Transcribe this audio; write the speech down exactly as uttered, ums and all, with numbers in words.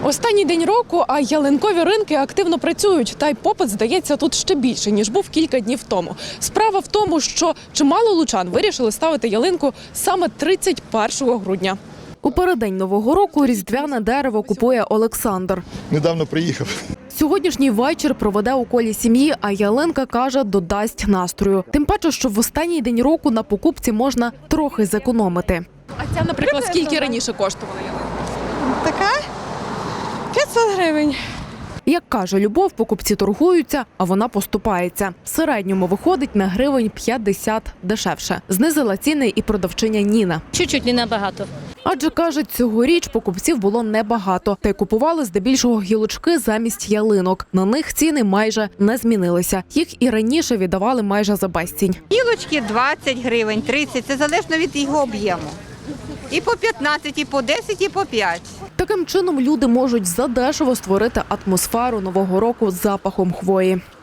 Останній день року, а ялинкові ринки активно працюють. Та й попит, здається, тут ще більше, ніж був кілька днів тому. Справа в тому, що чимало лучан вирішили ставити ялинку саме тридцять першого грудня. У переддень Нового року різдвяне дерево купує Олександр. Недавно приїхав. Сьогоднішній вечір проведе у колі сім'ї, а ялинка, каже, додасть настрою. Тим паче, що в останній день року на покупці можна трохи зекономити. А ця, наприклад, скільки раніше коштувала ялинка? Така п'ятсот гривень. Як каже Любов, покупці торгуються, а вона поступається. В середньому виходить на гривень п'ятдесят дешевше. Знизила ціни і продавчиня Ніна. Чуть-чуть, не набагато. Адже, каже, цьогоріч покупців було небагато. Та й купували здебільшого гілочки замість ялинок. На них ціни майже не змінилися. Їх і раніше віддавали майже за безцінь. Гілочки двадцять гривень, тридцять, це залежно від його об'єму. І по п'ятнадцять, і по десять, і по п'ять. Таким чином люди можуть задешево створити атмосферу Нового року з запахом хвої.